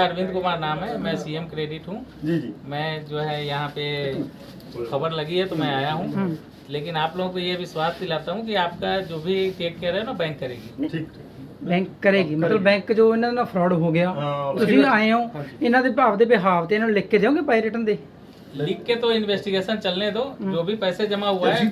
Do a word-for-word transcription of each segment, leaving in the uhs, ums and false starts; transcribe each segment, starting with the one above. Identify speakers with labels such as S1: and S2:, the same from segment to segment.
S1: अरविंद कुमार नाम है, मैं सीएम क्रेडिट हूँ जी जी। मैं जो है यहाँ पे खबर लगी है तो मैं आया हूँ, लेकिन आप लोगों को ये विश्वास दिलाता हूँ कि आपका जो भी टेक केयर है ना बैंक करेगी। ठीक,
S2: ਬੈਂਕ ਕਰੇਗੀ ਮਤਲਬ ਬੈਂਕ ਜੋ ਇਹਨਾਂ ਨਾਲ ਫਰਾਡ ਹੋ ਗਿਆ ਤੁਸੀਂ ਆਏ ਹੋ ਇਹਨਾਂ ਦੇ ਭਾਵ ਦੇ ਬਿਹਾਵ ਤੇ ਇਹਨਾਂ ਨੂੰ ਲਿਖ ਕੇ ਦਿਓਗੇ ਬਾਈ ਰਿਟਨ ਦੇ
S1: लिख के तो इन्वेस्टिगेशन चलने दो, जो भी पैसे जमा हुआ है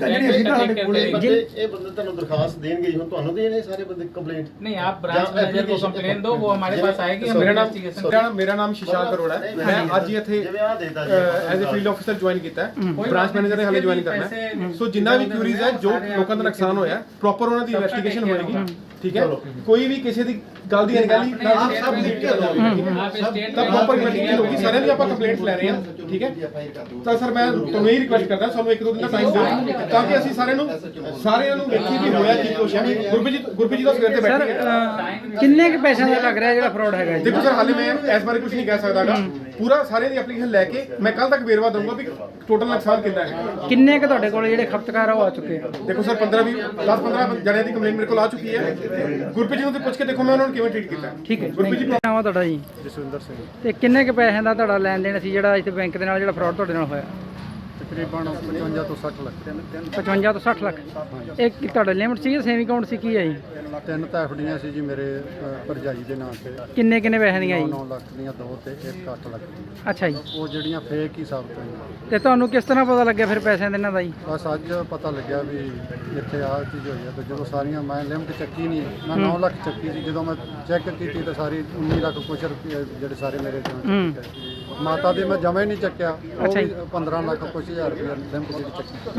S3: ਇਹ ਬੰਦੇ ਤੁਹਾਨੂੰ ਦਰਖਾਸਤ ਦੇਣਗੇ ਜੀ, ਹੁਣ ਤੁਹਾਨੂੰ ਦੇਣੇ ਸਾਰੇ ਬੰਦੇ ਕੰਪਲੇਂਟ
S1: नहीं, आप ब्रांच मैनेजर को कंप्लेन दो, वो हमारे पास आएगी। हम
S4: मेरा नाम
S1: इन्वेस्टिगेशन
S4: मेरा नाम शिशांक अरोड़ा है। मैं आज ही ਇੱਥੇ as a field officer join ਕੀਤਾ ਹੈ, ਬ੍ਰਾਂਚ ਮੈਨੇਜਰ ਨੇ ਹਾਲੇ ਜੁਆਇਨ ਕਰਨਾ ਹੈ। ਸੋ ਜਿੰਨਾ ਵੀ ਕਿਊਰੀਜ਼ ਹੈ, ਜੋ ਲੋਕਾਂ ਦਾ ਨੁਕਸਾਨ ਹੋਇਆ, ਪ੍ਰੋਪਰ ਉਹਨਾਂ ਦੀ ਇਨਵੈਸਟੀਗੇਸ਼ਨ ਹੋਏਗੀ। ਠੀਕ ਹੈ, ਕੋਈ ਵੀ ਕਿਸੇ ਦੀ ਗੱਲ ਦੀ ਅਣਗਹਿਲੀ ਨਾ ਸਭ ਲਿਖ ਕੇ ਦੋ, ਤਾਂ ਪ੍ਰੋਪਰ ਇਨਵੈਸਟੀਗੇਸ਼ਨ ਹੋਗੀ। ਸਾਰਿਆਂ ਦੀ ਆਪਾਂ ਕੰਪਲੇਂਟਸ ਲੈ ਰਹੇ ਹਾਂ। ਠੀਕ ਹੈ, ਤਾਂ ਸਰ ਮੈਂ ਤੁਹਾਨੂੰ ਇਹ ਰਿਕੁਐਸਟ ਕਰਦਾ, ਸਾਨੂੰ ਇੱਕ ਦੋ ਦਿਨ ਦਾ ਟਾਈਮ ਦਿਓ ਤਾਂ ਕਿ ਅਸੀਂ ਸਾਰਿਆਂ ਨੂੰ ਸਾਰਿਆਂ ਨੂੰ ਵੇਖੀ ਵੀ ਹੋਇਆ ਕੀ ਕੁਛ ਹੈ। ਗੁਰਪ੍ਰੀਤ ਜੀ ਗੁਰਪ੍ਰੀਤ ਜੀ ਦਾ ਸਵੇਰ ਤੇ ਬੈਠੇ
S2: ਸਰ ਕਿੰਨੇ ਕੁ ਪੈਸਿਆਂ ਦਾ ਲੱਗ ਰਿਹਾ ਜਿਹੜਾ ਫਰਾਡ ਹੈਗਾ ਜੀ?
S4: ਦੇਖੋ ਸਰ, ਹਾਲੇ ਮੈਂ ਇਸ ਬਾਰੇ ਕੁਝ ਨਹੀਂ ਕਹਿ ਸਕਦਾਗਾ। ਪੂਰਾ ਸਾਰੇ ਦੀ ਐਪਲੀਕੇਸ਼ਨ ਲੈ ਕੇ ਮੈਂ ਕੱਲ ਤੱਕ ਵੇਰਵਾ ਦਊਂਗਾ ਵੀ ਟੋਟਲ ਨੁਕਸਾਨ ਕਿੰਨਾ ਹੈ।
S2: ਕਿੰਨੇ ਕੁ ਤੁਹਾਡੇ ਕੋਲ ਜਿਹੜੇ ਖਪਤਕਾਰ ਆ ਉਹ ਆ ਚੁੱਕੇ ਆ?
S4: ਦੇਖੋ ਸਰ, ਪੰਦਰਾਂ ਵੀਹ ਦਸ ਪੰਦਰਾਂ ਜਣਿਆਂ ਦੀ ਕੰਪਲੇਂਟ ਮੇਰੇ ਕੋਲ ਆ ਚੁੱਕੀ ਹੈ। ਗੁਰਪ੍ਰੀਤ ਜੀ ਨੂੰ ਤੇ ਪੁੱਛ ਕੇ ਦੇਖੋ ਮੈਂ ਉਹਨਾਂ ਨੂੰ ਕਿਵੇਂ ਟ੍ਰੀਟ ਕੀਤਾ।
S2: ਠੀਕ ਹੈ,
S4: ਗੁਰਪ੍ਰੀਤ ਜੀ
S2: ਨਾਮ ਆ ਤੁਹਾਡਾ ਜੀ?
S4: ਜਸਵਿੰਦਰ ਸਿੰਘ।
S2: ਤੇ ਕਿੰਨੇ ਕੁ ਪੈਸਿਆਂ ਦਾ ਤੁਹਾਡਾ ਲੈਣ ਦੇਣ ਸੀ ਜਿਹੜਾ ਇੱਥੇ ਬੈਂਕ ਦੇ ਨਾਲ ਜਿਹੜਾ ਫਰਾਡ ਤੁਹਾਡੇ ਨਾਲ ਹੋਇਆ?
S4: ਤਕਰੀਬਨ ਪਚਵੰਜਾ ਤੋਂ ਸੱਠ ਲੱਖ।
S2: ਪਚਵੰਜਾ ਤੋਂ ਸੱਠ ਲੱਖ। ਇਹ ਕੀ ਤੁਹਾਡਾ ਲਿਮਟ ਸੀ ਜਾਂ ਸੇਵਿੰਗ ਅਕਾਊਂਟ ਸੀ, ਕੀ ਹੈ ਜੀ?
S4: ਤਿੰਨ ਤਾਂ ਐਫਡੀਆਂ ਸੀ ਜੀ ਮੇਰੇ ਭਰਜਾਈ ਦੇ ਨਾਂ ਤੇ।
S2: ਕਿੰਨੇ ਕਿੰਨੇ ਪੈਸੇ ਦੀਆਂ ਜੀ?
S4: ਨੌ ਲੱਖ ਦੀਆਂ ਦੋ ਤੇ ਇੱਕ ਅੱਠ ਲੱਖ ਦੀਆਂ।
S2: ਅੱਛਾ ਜੀ,
S4: ਉਹ ਜਿਹੜੀਆਂ ਫੇਕ ਹੀ ਸਾਬਤ ਹੋਈਆਂ।
S2: ਤੇ ਤੁਹਾਨੂੰ ਕਿਸ ਤਰ੍ਹਾਂ ਪਤਾ ਲੱਗਿਆ ਫਿਰ ਪੈਸਿਆਂ ਦੇ ਇਹਨਾਂ ਦਾ ਜੀ?
S4: ਬਸ ਅੱਜ ਪਤਾ ਲੱਗਿਆ ਵੀ ਇੱਥੇ ਆਹ ਚੀਜ਼ ਹੋਈ ਹੈ। ਤੇ ਜਦੋਂ ਸਾਰੀਆਂ ਮੈਂ ਲਿਮਟ ਚੱਕੀ ਨਹੀਂ, ਮੈਂ ਨੌ ਲੱਖ ਚੱਕੀ ਸੀ। ਜਦੋਂ ਮੈਂ ਚੈੱਕ ਕੀਤੀ ਤਾਂ ਸਾਰੀ ਉੱਨੀ ਲੱਖ ਕੁਛ ਰੁਪਏ ਜਿਹੜੇ ਸਾਰੇ ਮੇਰੇ ਚੋਂ। ਮਾਤਾ ਦੇ ਮੈਂ ਜਮਾ ਹੀ ਨਹੀਂ ਚੱਕਿਆ, ਉਹ ਵੀ ਪੰਦਰਾਂ ਲੱਖ ਕੁਛ ਹਜ਼ਾਰ ਰੁਪਏ ਲਿਮਟ ਜਿਹੜੀ ਚੱਕੀ।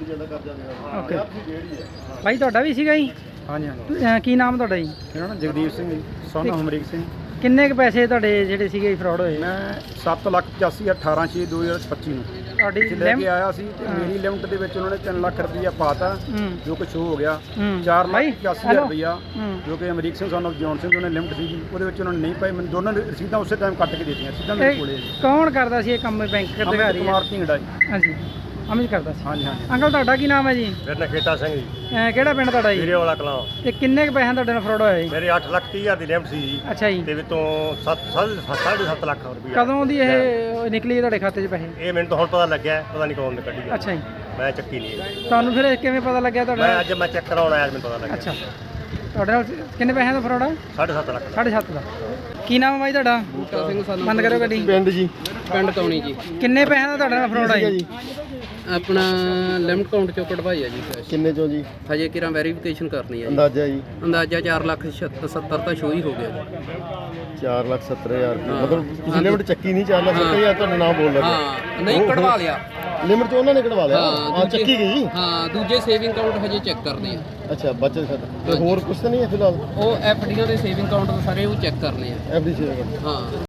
S2: ਹੂੰ, ਓਕੇ। ਭਾਈ ਤੁਹਾਡਾ ਵੀ ਸੀਗਾ ਜੀ?
S4: ਹਾਂਜੀ ਹਾਂਜੀ।
S2: ਅਹ ਕੀ ਨਾਮ ਤੁਹਾਡਾ ਜੀ?
S4: ਮੇਰਾ ਨਾਮ ਜਗਦੀਪ ਸਿੰਘ ਜੀ, ਸਨ ਹਮਰੀਕ ਸਿੰਘ।
S2: ਕਿੰਨੇ ਕੁ ਪੈਸੇ ਤੁਹਾਡੇ ਜਿਹੜੇ ਸੀਗੇ ਫਰਾਡ ਹੋਏ?
S4: ਮੈਂ ਸੱਤ ਲੱਖ ਪਚਾਸੀ ਅਠਾਰਾਂ ਛੇ ਦੋ ਹਜ਼ਾਰ ਪੱਚੀ ਨੂੰ
S2: ਤੁਹਾਡੀ
S4: ਲੈ ਕੇ ਆਇਆ ਸੀ ਤੇ ਮੇਰੀ ਲਿਮਟ ਦੇ ਵਿੱਚ ਉਹਨਾਂ ਨੇ ਤਿੰਨ ਲੱਖ ਰੁਪਈਆ ਪਾਤਾ, ਜੋ ਕਿ ਸ਼ੋ ਹੋ ਗਿਆ। ਚਾਰ ਲੱਖ ਪਚਾਸੀ ਹਜ਼ਾਰ ਰੁਪਈਆ ਜੋ ਕਿ Amrik Singh son of John Singh ਉਹਨੇ ਲਿਮਟ ਸੀਗੀ, ਉਹਦੇ ਵਿੱਚ ਉਹਨਾਂ ਨੇ ਨਹੀਂ ਪਾਈ। ਮੈਨੂੰ ਦੋਨਾਂ ਨੇ ਰਸੀਦਾਂ ਉਸੇ ਟਾਈਮ ਕੱਟ ਕੇ ਦੇ ਦਿੱਤੀਆਂ, ਸਿੱਧਾ ਮੇਰੇ ਕੋਲੇ।
S2: ਕੌਣ ਕਰਦਾ ਸੀ ਇਹ ਕੰਮ ਬੈਂਕ ਅਧਿਕਾਰੀ?
S4: ਕੁਮਾਰ ਢਿੰਗੜਾ ਜੀ।
S2: ਹਾਂਜੀ, ਅਮਿਤ ਕਰਦਾ ਸੀ।
S4: ਹਾਂਜੀ ਹਾਂਜੀ।
S2: ਅੰਕਲ ਤੁਹਾਡਾ ਕੀ ਨਾਮ ਹੈ ਜੀ?
S5: ਮੇਰਾ ਨਾਂ ਖੇਤਾ ਸਿੰਘ ਜੀ,
S2: ਅਹ ਕਿਹੜਾ ਪਿੰਡ ਤੁਹਾਡਾ ਜੀ?
S5: ਵੀਰੇ ਵਾਲਾ ਕਲਾਂ।
S2: ਤੇ ਕਿੰਨੇ ਕੁ ਪੈਸੇ ਤੁਹਾਡੇ ਨਾਲ ਫਰਾਡ ਹੋਇਆ ਜੀ?
S5: ਮੇਰੇ ਅੱਠ ਲੱਖ ਤੀਹ ਹਜ਼ਾਰ ਦੀ ਲਿਮਟ ਸੀ ਜੀ,
S2: ਅੱਛਾ ਜੀ।
S5: ਤੇ ਵਿੱਚੋਂ ਸੱਤ ਸਾਢੇ ਸੱਤ ਲੱਖ ਰੁਪਈਆ।
S2: ਕਦੋਂ ਦੀ ਇਹ ਨਿਕਲੀ ਤੁਹਾਡੇ ਖਾਤੇ 'ਚ ਪੈਸੇ?
S5: ਇਹ ਮੈਨੂੰ ਤਾਂ ਹੁਣ ਪਤਾ ਲੱਗਿਆ, ਪਤਾ ਨਹੀਂ ਕੌਣ ਨੇ ਕੱਢੀ ਆ।
S2: ਅੱਛਾ ਜੀ,
S5: ਮੈਂ ਚੱਕੀ ਨਹੀਂ ਹੈ।
S2: ਤੁਹਾਨੂੰ ਫਿਰ ਕਿਵੇਂ ਪਤਾ ਲੱਗਿਆ ਤੁਹਾਡਾ?
S5: ਮੈਂ ਅੱਜ ਮੈਂ ਚੈੱਕ ਕਰਾਉਣ ਆਇਆ, ਮੈਨੂੰ ਪਤਾ ਲੱਗਿਆ।
S2: ਅੱਛਾ, ਤੁਹਾਡੇ ਨਾਲ ਕਿੰਨੇ ਪੈਸਿਆਂ ਦਾ ਫਰਾਡ ਆ?
S5: ਸਾਢੇ ਸੱਤ ਲੱਖ।
S2: ਸਾਢੇ ਸੱਤ ਦਾ। ਕੀ ਨਾਮ ਹੈ ਬਾਈ ਤੁਹਾਡਾ?
S6: ਬੂਟਾ ਸਿੰਘ ਸਾਨੂੰ
S2: ਬੰਦ ਕਰੋ ਗੱਡੀ।
S3: ਪਿੰਡ ਜੀ,
S6: ਪਿੰਡ ਟੌਣੀ ਜੀ।
S2: ਕਿੰਨੇ ਪੈਸਿਆਂ ਦਾ ਤੁਹਾਡੇ ਨਾਲ ਫਰਾਡ ਆ ਜੀ?
S6: ਆਪਣਾ ਲਿਮਟ ਅਕਾਊਂਟ ਚੋਂ ਕਢਵਾਈ ਆ ਜੀ ਕੈਸ਼।
S3: ਕਿੰਨੇ ਚੋਂ ਜੀ?
S6: ਹਜੇ ਕਿਰਾਂ ਵੈਰੀਫਿਕੇਸ਼ਨ ਕਰਨੀ ਆ ਜੀ।
S3: ਅੰਦਾਜ਼ਾ ਜੀ
S6: ਅੰਦਾਜ਼ਾ ਚਾਰ ਲੱਖ ਸੱਤਰ ਤਾਂ ਸ਼ੋ ਹੀ ਹੋ ਗਿਆ ਜੀ।
S3: ਚਾਰ ਲੱਖ ਸੱਤਰ ਹਜ਼ਾਰ ਰੁਪਏ। ਮਤਲਬ ਤੁਸੀਂ ਲਿਮਟ ਚੱਕੀ ਨਹੀਂ, ਚਾਰ ਲੱਖ ਸੱਤਰ ਹਜ਼ਾਰ ਤੁਹਾਡਾ ਨਾਮ ਬੋਲ ਲੱਗਾ।
S6: ਹਾਂ, ਨਹੀਂ ਕਢਵਾ ਲਿਆ
S3: ਲਿਮਟ ਤੋਂ ਉਹਨਾਂ ਨੇ ਕਢਵਾ ਲਿਆ।
S6: ਹਾਂ,
S3: ਹਾਂ,
S6: ਦੂਜੇ-
S3: ਚੱਕੀ ਗਈ।
S6: ਹਾਂ, ਦੂਜੇ ਸੇਵਿੰਗ ਅਕਾਊਂਟ ਹਜੇ ਚੈੱਕ ਕਰਨੇ ਆ।
S3: ਅੱਛਾ, ਬਚਤ ਖਾਤਾ ਤੇ ਹੋਰ ਕੁਝ ਤਾਂ ਨਹੀਂ ਹੈ ਫਿਲਹਾਲ?
S6: ਉਹ ਐਫ ਡੀਆਂ ਦੇ ਸੇਵਿੰਗ ਅਕਾਊਂਟ ਸਾਰੇ ਉਹ ਚੈੱਕ ਕਰਨੇ ਆ।
S3: ਐਫ ਡੀ ਸੀ
S6: ਹਾਂ।